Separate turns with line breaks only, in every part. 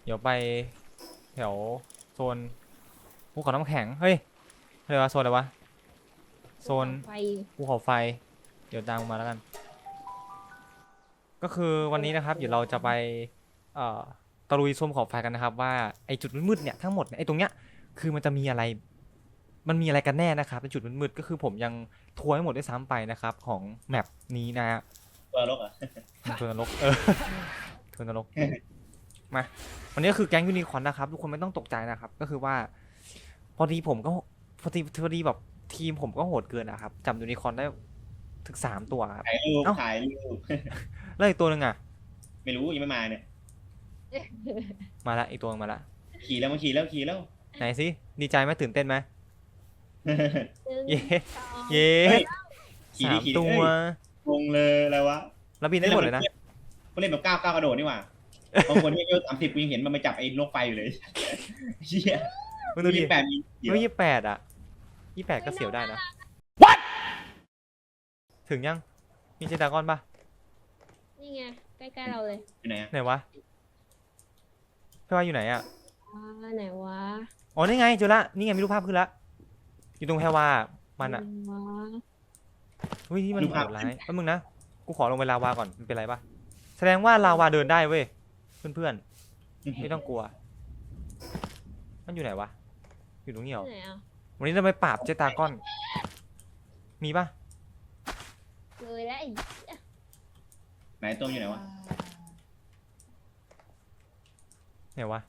เดี๋ยวไปแถวโซนภูเขาน้ำแข็งเฮ้ยอะไรวะโซนอะไรวะโซน
ไฟ
ภูเขาไฟเดี๋ยวตามมาแล้วกันก็คือวันนี้นะครับเดี๋ยวเราจะไปตะลุยโซนภูเขาไฟกันนะครับว่าไอจุดมืดๆเนี่ยทั้งหมดเนี่ยไอตรงเนี้ยคือมันจะมีอะไรมันมีอะไรกันแน่นะครับในจุดมืดๆก็คือผมยังทัวร์ให้หมดด้วยซ้ำไปนะครับของแมปนี้นะฮะ
ตัวรกอ่ะ
ทัวร์นรกทัวร์นรกมาวันนี้ก็คือแก๊งยูนิคอร์นนะครับทุกคนไม่ต้องตกใจนะครับก็คือว่าพอดีผมก็พอดีแบบทีมผมก็โหดเกินนะครับจำยูนิคอร์นได้ถึง3 ตัวครับ
ถ่ายรูป
เอ้า
ถ่ายรูป
แล้วอีกตัวหนึ่งอ่ะ
ไม่รู้ยังไม่มาเนี่ย
มาละอีกตัวนึงมาละ
ขี่แล้วมาขี่แล้วขี่แล้ว
ไหนสิดีใจไหมตื่นเต้นไหมเย้
เย้
เย้
เฮ้ย ขี่
สา
ดิ
ม
ขี่ดิ
ตัว
เอ้ยงงเลยอะไรวะ
แล้วบินได้หมดเลยนะ
เขาเล่นแบบก้าวกระโดดนี่หว่าบางคนที่อายุ30กูยังเห็นมันไปจับไอ้นกไฟอยู่เลยเชี่ย
มึงดูดิ
28มีเดี๋ยว
เฮ้ย28อ่ะ28ก็เสียวได้นะถึงยังมีเจดากอนปะ
นี่ไงใกล้ๆเราเลย
อยู่ไหนอะ
ไหนวะพี่ว่าอยู่ไหนอ่ะ
ไหนวะ
อ๋อนี่ไงเจอละนี่ไงมีรูปภาพขึ้นละอยู่ตรงแพรวามันอะ
วะ
เฮ้ยที่มันโหดร้ายแป๊บนึงนะกูขอลงไปลาวาก่อนมันเป็นไรปะแสดงว่าลาวาเดินได้เว้ยเพื่อนๆไม่ต้องกลัวมันอยู่ไหนวะอยู่ตรงนี้เหรอ
ไหนอ่ะ
วันนี้เราไปปราบเจตาก้อนมีปะ
เลยแล้วไอ้
ไหนตัวอยู่ไหนวะ
ไหนวะ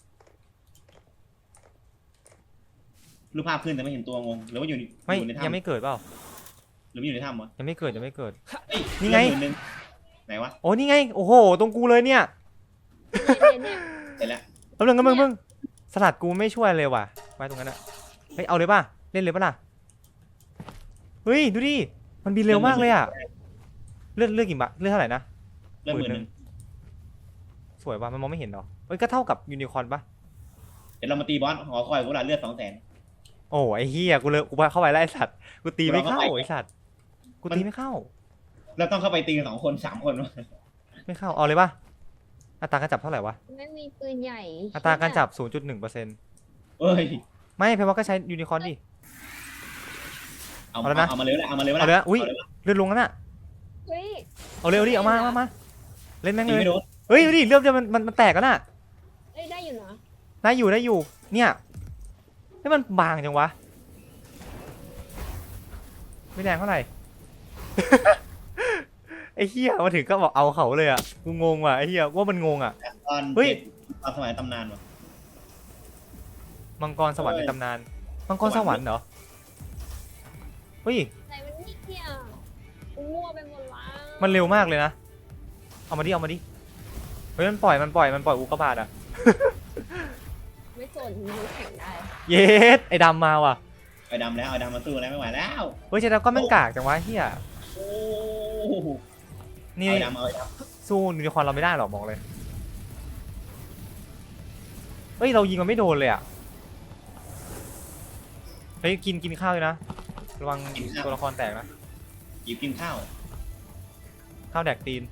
รูปภาพขึ้นแต่ไม่เห็นตัวงงหรือว่าอยู่
ไม่
อยู่ในถ้ำ
ยังไม่เกิดเปล่า
หรือมันอยู่ในถ้ำวะ
ยังไม่เกิดยังไม่เกิด
เอ้ย
นี่ไง
เรื่องหมื่นหนึ่งไหนวะ
โอ้นี่ไงโอ้โหตรงกูเลยเนี่ย
เนี่ย
เสร็จแล้ว
แป๊บนึงก็มึงสลัดกูไม่ช่วยเลยว่ะไว้ตรงนั้นอะเฮ้ยเอาเลยป่ะเล่นเลยป่ะล่ะเฮ้ยดูดิมันบินเร็วมากเลยอะเลือดกี่บาทเลือดเท่าไหร่นะ
เรื่องหมื่นหนึ่ง
สวยว่ะมันมองไม่เห็นหรอเอ้ยก็เท่ากับยูนิคอร์นปะ
เดี๋ยวเรามาตีบอสหอคอยกูละเลือด200,000
โอ้ไอ้เฮียกูเลยกูเข้าไปแล้วไอ้สัตว์กูตีไม่เข้า
เราเข้าไป
ไอ้สัตว์กูตีไม่เข้า
เราต้องเข้าไปตีกัน2 คน3 คนวะ
ไม่เข้าเอาเลยปะอัตราการจับเท่าไหร่วะ
ไม่มีปืนใหญ่
อัตราการจับ 0.1%
เอ้ย
ไม่เพราะว่าก็ใช้ยูนิคอร์นดิ
เอา
เอาแล้วนะ
เอามาเลยละเอามาเลย
เอาเลยนะอุ๊ย
เอาเลยละ
เลือดลงแล้วน่ะ
เฮ้ย
เอาเร็วดิเอามาเล่นแม่ง
ตี
เลย
ไม่โดน
เฮ้ยดูดิเลือดจะมันแตกแล้วน่ะ
เอ้ยได้อยู่นะ
ได้อยู่เนี่ยให้มันบางจังวะไม่แรงเท่าไหร่ ไอ้เหี้ยมาถึงก็บอกเอาเขาเลยอ่ะกูงงว่ะไอ้เหี้ยว่ามันงงอ่ะ
ตอน
เฮ้ย
ตอนสมัยตำนานวะ
มังกรสวรรค์ในตำนานมังกรสวรรค์เหรอเฮ้ย
ไหนมันนี่เนี่ยกูมั่วไปหมดละ
มันเร็วมากเลยนะเอามาดิเฮ้ยมันปล่อยอุกกาบาตอ่ะ
ไม่สนมือแข่งได้
เย็ดไอ้ดำมาว่ะ
ไอ้ดำแล้วไอ้ดำมาสู้แล้วไม่ไหวแล้ว
เฮ้ยเจดาก็แม่งกากจังวะเฮีย
โอ้
นี่
เอาไอ้ดำเอาไอ้ด
สู้ยูนิคอร์นเราไม่ได้หรอกบอกเลยเฮ้ยเรายิงมันไม่โดนเลยอ่ะเฮ้ยกินข้าวเลยนะระวังตัวละครแตกนะ
ำหยิบกินข้าว
ข้าวแดกตีน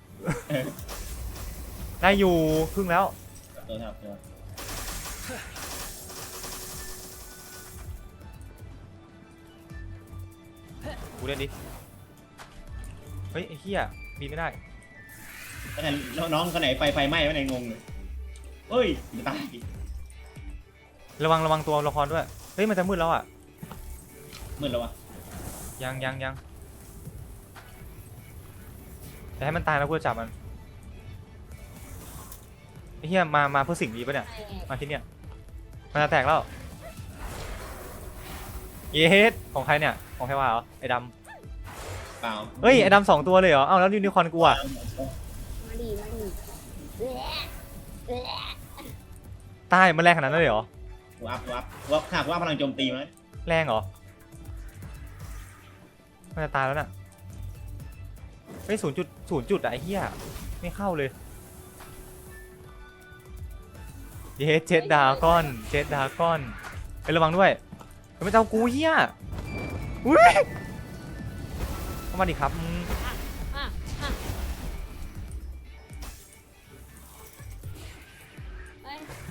ได้อยู่ครึ่งแล้ว
ตัวครับตัว
กูเล่นดิเฮ้ยไอ้เหี้ยบินไม่ได้
แล้วไงน้องคนไหนไฟไหม้วะไหนงงเลยเฮ้ยจะตาย
ระวังตัวละครด้วยเฮ้ยมันจะมืดแล้วอ่ะ
มืดแล้ววะ
ยังแต่ให้มันตายแล้วกูจะจับมันไอ้เหี้ยมาเพื่อสิ่งนี้ปะเนี่ย
แตก
มาที่เนี่ยมันจะแตกแล้วเยสของใครเนี่ยของใครวะเหรอไอ้ด
เปล่า
ำเฮ้ยไอ้ดำ2 ตัวเลยเหรอเอ้าแล้วยูนิคอร์นกูอ่ะ
มาดีแหละ
ตายมันแรงขนาดนั้นเลยเหรอ
วับขาดว่าพลังโจมตีมั้ย
แรงเหรอมันจะตายแล้วน่ะเฮ้ย0.0อะไอ้เหี้ยไม่เข้าเลยเยสเจ็ดดราก้อนไประวังด้วยเฮ้ยมันจะเอากูเหี้ยอุ้ยเข้ามาดิครับมึง
อ่ะเอ้ย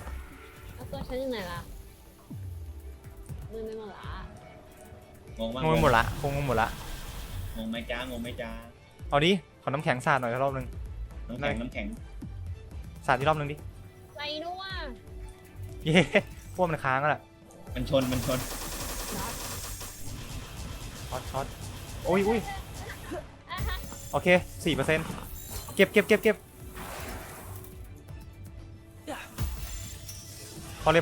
ฉันอยู่ไหนล่ะมือไม่หมดละ
งงมาก
งงไปหมดละคงงงหมดละ
งงไหมจ้างงไหมจ้า
เอาดิขอน้ำแข็งสาดหน่อยรอบนึง
น้ำแข็งน้ำแข็ง
สาดที่รอบนึงดิ
ไรด้วย
เย้พวกมันค้างแล้วแหละ
มันชน
ช็อตโอ้ยอุ้ย
อ่ะฮะ
โอเค 4%เก็บพอเลย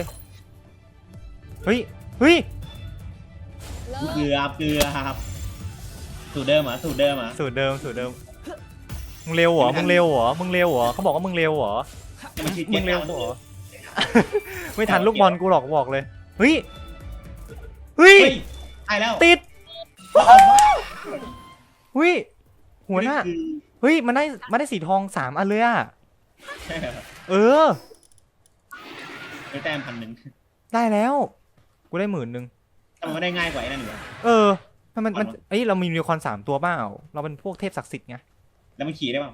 เฮ้ย
เลิก
เกือบสูตรเดิมเหรอ
สูตรเดิมมึงเร็วเหรอเขาบอกว่ามึงเร็วเหรอ
มันคิด
มึงเร็วเหรอ ไม่ทันลูกบอลกูหรอกบอกเลย เฮ้ย
เฮ้ยตายแล้ว
ติดเฮ้ย หัวหน้า เฮ้ย มันได้สีทอง3 อันเลยอ่ะ เออ
ได้แต้ม1,000
ได้แล้ว กูได้10,000
ทำไมไม่ได้ง่ายกว่าไอ้นั่นอยู่วะ
เออมันเอ้ยเรามียูนิคอร์น3 ตัวเปล่าเราเป็นพวกเทพศักดิ์สิทธิ์ไง
แล้วมันขี่ได้เปล่า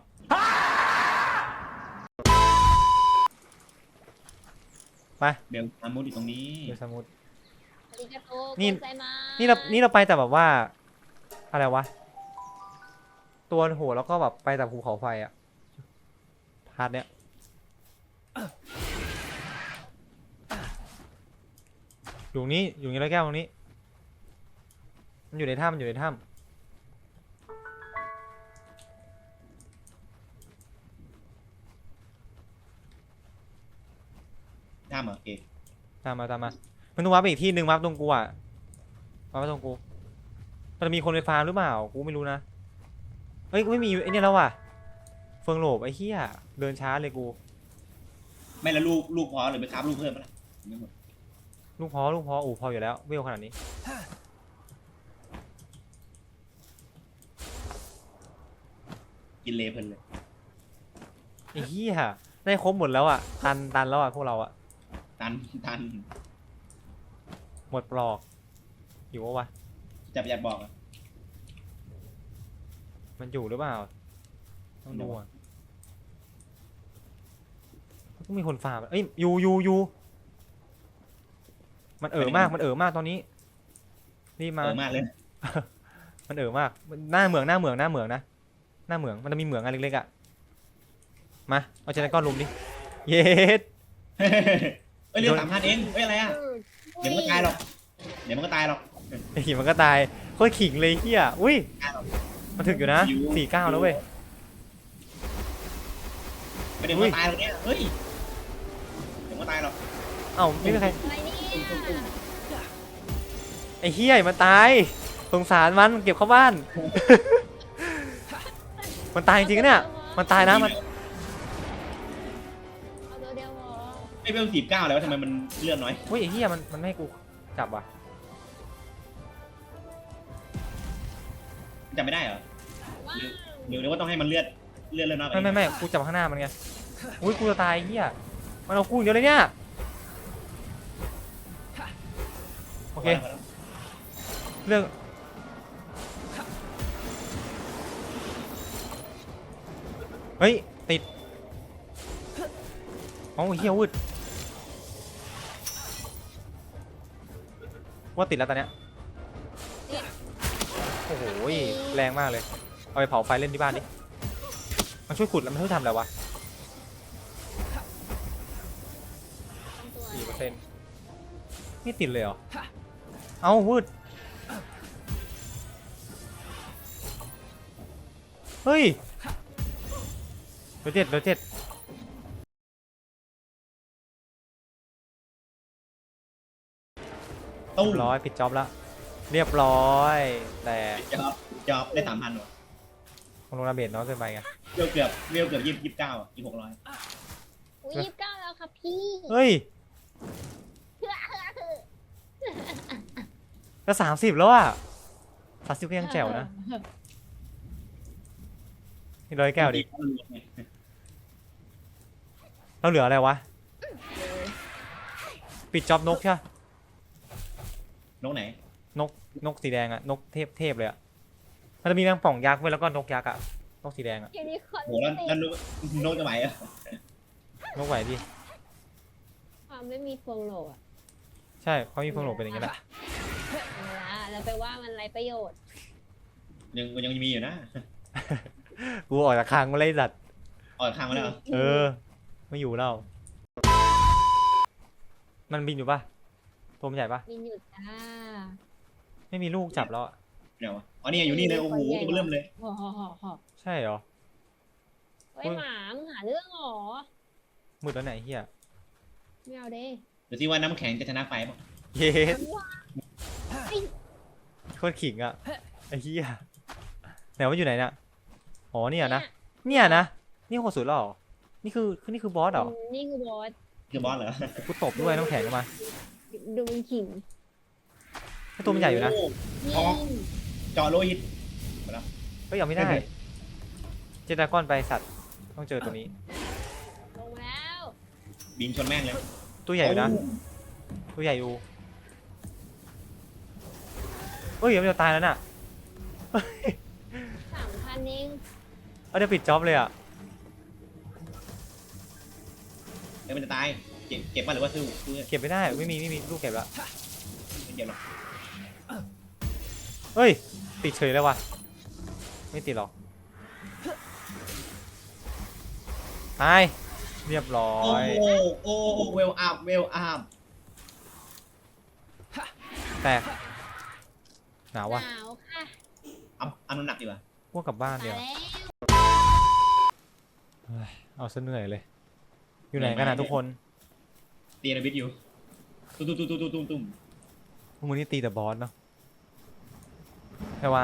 ไป
เบลอามุดอยู่ตรงนี้
เดี๋ยวสมมติ
อาริกาโต
นี่
โกไซมา
นี่เราไปแต่แบบว่า อะไรวะ ตัวโหแล้วก็แบบไปแต่ภูเขาไฟอะพาร์ทเนี้ยอยู่นี่แล้วแก้วตรงนี้ มันอยู่ในถ้ำ
ท่ามเหรอโอเค
ตามมามันต้องวาร์ปไปอีกที่หนึ่งวาร์ปตรงกูอ่ะวาร์ปตรงกูมันจะมีคนไปฟาร์มหรือเปล่ากูไม่รู้นะเฮ้ยไม่มีไอ้เนี่ยแล้วว่ะเฟิงโหลบไอ้เหี้ยเดินช้าเลยกู
ไม่แล้วลูกพอหรือไปครับลูกเพิ่มปะล่ะไม่หมด
ลูกพอพออยู่แล้วเวลขนาดนี้
กินเลเพลินเลย
ไอ้เหี้ยได้ครบหมดแล้วอ่ะตันแล้วอ่ะพวกเราอ่ะ
ตัน
หมดปลอกอยู่วะ
จับอยากบอกอะ
มันอยู่หรือเปล่าต้องดูอ่ะต้องมีคนฟาร์มเอ้ยอยู่มันมากตอนนี้รีบมา
มากเลย
มันมากหน้าเหมืองนะหน้าเหมืองมันจะมีเหมืองอันเล็กๆอ่ะมาเอาเจนก้อนลุมดิเย็ด
เอ้ยเรื่อง3,000เองเอ้ยอะไรอ่ะเดี๋ยวมันก็ตายหรอก
ไอ้ขิงมันก็ตายโคตรขิงเลยเฮียอุ้ยมันถึกอยู่นะ49แล้วเว้ย
ไม่เดี๋ยวมันก็ตายหรอกเนี่ยเฮ้ยเดี๋ยวมันก็ตายหรอก
เอ้าไม่มีใคร
อะไรเนี่ย
ไอ้เฮียมันตายสงสารมันเก็บเข้าบ้าน มันตายจริงๆเนี่ยมันตายนะมัน
เอาตัวเดียวพอ
ไม่เป็น49แล้วทำไมมันเลื่อนน้อย
เฮ้ยไอ้เฮียมันไม่ให้กูจับว่ะ
จำไม่ได้เหรอ
ว้าว
เดี๋ยวว่าต้องให้มันเลื่อนน้อยกว่านี้
ไม่กูจับข้างหน้ามันไงอุ้ยกูจะตายไอ้เฮียมันเอากูอย่างเดียวเลยเนี่ยโอเคเรื่องเฮ้ยติดอ๋อเฮียวืดว่าติดแล้วตอนเนี้ยโอ้โหแรงมากเลยเอาไปเผาไฟเล่นที่บ้านดิมันช่วยขุดแล้วมันช่วยทำอะไรวะ
ตัว
4%ไม่ติดเลยเหรอเอาวืดเฮ้ยเดี๋ยวเจ็ด
ตู้
เรียบร้อยปิดจ็อบแล้วเรียบร้อยแต่
จอบได้3,000หรอ
ของโรงระเบิดน้อยเกินไปไง
เกือบ29อ่ะ2600
อุ้ย29แล้วครับพี่
เฮ้ยก็30แล้วอ่ะ30ก็ยังแจ๋วนะนี่ร้อยแก้วดิเราเหลืออะไรวะปิดจ็อบนกใช่
นกไหน
นกสีแดงอะนกเทพเลยอะมันจะมีแมงป่องยักษ์ไว้แล้วก็นกยักษ์อะนกสีแดงอะ
ยูนิคอร์น
โหแล้วนกจะไหวอ่ะ
นกไหวดิ
ความไม่มีเฟืองโหลอะ
ใช่เขามีเฟืองโหลเป็นอย่างนี้แหละ
เอาละแล้วไปว่ามันไรประโยชน์
ยังมีอยู่นะ
กูออกจากคางมาเลยสัตว์
ออกข้างมาแล้วเหรอ
เออ ไม่อยู่แล้ว มันบินอยู่ปะตัวมันใหญ่ปะ
มีหยุดจ้า
ไม่มีลูกจับแล้วอะ
เดี๋ยววะอ๋อนี่อยู่นี่เลยโอ้โหตัวเริ่มเลย
ห่อห่อห่อห่อ
ใช่เหรอ
เฮ้ยหมามึงหาเรื่องเหรอ
มืดแล้วไหนเฮีย
ไม่เอาเด้
ดูสิว่าน้ำแข็งจะชนะไฟป่ะ
เย็ด
มันว่า
โคตรขิงอะไอ้เฮียไหนว่าอยู่ไหนเนี่ยอ๋อเนี่ยนะ เนี่ยนะ นี่โคตรสุดแล้วเหรอ นี่คือบอสเหรอ
นี่คือบอส
คือบอสเหรอ
กูตบด้วยน้ำแข็งเข้ามา
ดูมันขิง
ไอ้ตัวมันใหญ่อยู่นะ
โ
นี่
อ๋อ เจาะโลหิต
เฮ้ยเอาไม่ได้ เจตากอนไปสัตว์ ต้องเจอตัวนี้
ลงมาแล้ว
บินชนแม่งเลย
ตัวใหญ่อยู่นะ ตัวใหญ่อยู่เฮ้ยเดี๋ยวมันจะตายแล้วน่ะ
3,000เอง
เอาเดี๋ยวปิดจ็อบเลยอ่ะ
เดี๋ยวมันจะตายเก็บมาหรือว่าสู้ไม่
เก็บไม่ได้ ไม่มีลูกเก็บแล้ว
เก็บหรอก
เฮ้ย ติดเฉยแล้ววะไม่ติดหรอกตาย เรียบร้อ
โอ้
ย
โหโอ้โหเวลอัพเวลอัพ
แตก หนาว
ห
วะ
นาวค่ะ
เอาน้ำหนักดีกว่า
พวกกลับบ้าน
มา
เดี๋ยว
แล้ว
เฮ้ยเอาซะเหนื่อยเลย อยู่ไหนกันนะทุกคน
ตีนาบิดอยู่ตุ้ม
พวกมึงนี่ตีแต่บอสเนาะแค่ว่า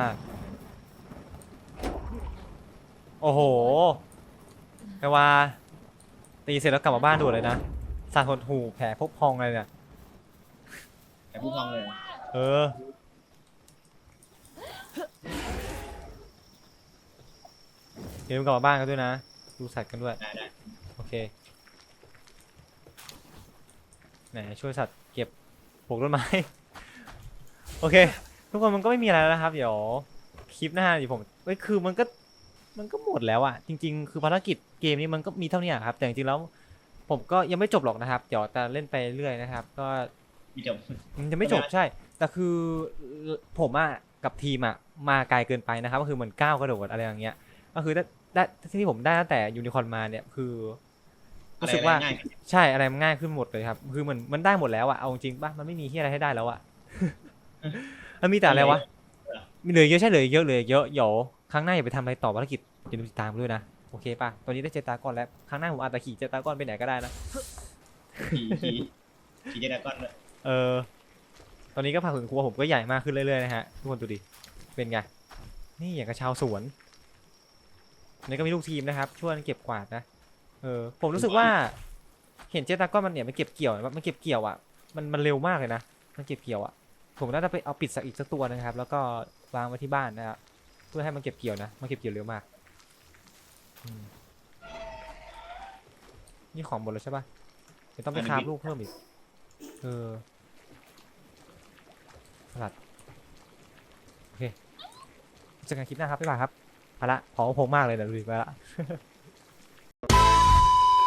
โอ้โหแค่ว่า ตีเสร็จแล้วกลับมาบ้านด่วนเลยนะสาดหดหูแผลพกพองอะไรเนี่ย
แต่ผู้พองเลย
เออ เดี๋ยวมึงกลับมาบ้านกันด้วยนะ ดูสัตว์กันด้วย
ได้
โอเค ไหนช่วยสัตว์เก็บปลูกต้นไม้ โอเค ทุกคนมันก็ไม่มีอะไรแล้วนะครับ เดี๋ยวคลิปหน้าเดี๋ยวผมเอ้ยคือมันก็หมดแล้วอะจริง ๆ คือภารกิจเกมนี้มันก็มีเท่านี้อะครับ แต่จริงๆแล้ว ผมก็ยังไม่จบหรอกนะครับ เดี๋ยวจะเล่นไปเรื่อยนะครับ ก็
มีจบ
มันจะไม่จบใช่ แต่คือผมอะกับทีมอะมาไกลเกินไปนะครับ ก็คือเหมือนก้าวกระโดดอะไรอย่างเงี้ย ก็คือได้ที่ผมได้ตั้งแต่ยูนิคอร์นมาเนี่ยคือ รู้สึกว่า
ง่าย
ใช่อะไรมันง่ายขึ้นหมดเลยครับ คือมันได้หมดแล้วอะเอาจริงป่ะมันไม่มีที่อะไรให้ได้แล้วอะ มันมีแต่อะไรวะมีเหลือเยอะใช่เหลือเยอะเดี๋ยวครั้งหน้าอย่าไปทำอะไรต่อภารกิจอย่าลืมติดตามด้วยนะโอเคป่ะตอนนี้ได้เจตากอนแล้วครั้งหน้าผมอาจจะขี่เจตากอนไปไหนก็ได้นะ
ขี่เจดากอนเลย
เออตอนนี้ก็ผักสวนครัวผมก็ใหญ่มากขึ้นเรื่อยๆนะฮะทุกคนดูดิเป็นไงนี่อย่างกับชาวสวนอันนี้ก็มีลูกทีมนะครับช่วยกันเก็บกวาดนะผมรู้สึกว่า เห็นเจตากอนมันเนี่ยมันเก็บเกี่ยวมันเก็บเกี่ยวอ่ะมันเร็วมากเลยนะมันเก็บเกี่ยวอ่ะผมน่าจะไปเอาปิดสักอีกสักตัวนะครับ แล้วก็วางไว้ที่บ้านนะครับเพื่อให้มันเก็บเกี่ยวนะมันเก็บเกี่ยวเร็วมากอืมนี่ของหมดแล้วใช่ปะเดี๋ยวต้องไปคราฟลูกเพิ่มอีกสลัดโอเคเจอกันคลิปหน้าครับบ๊ายบายครับไปละของผมมากเลยเดี๋ยวดูดิไปละ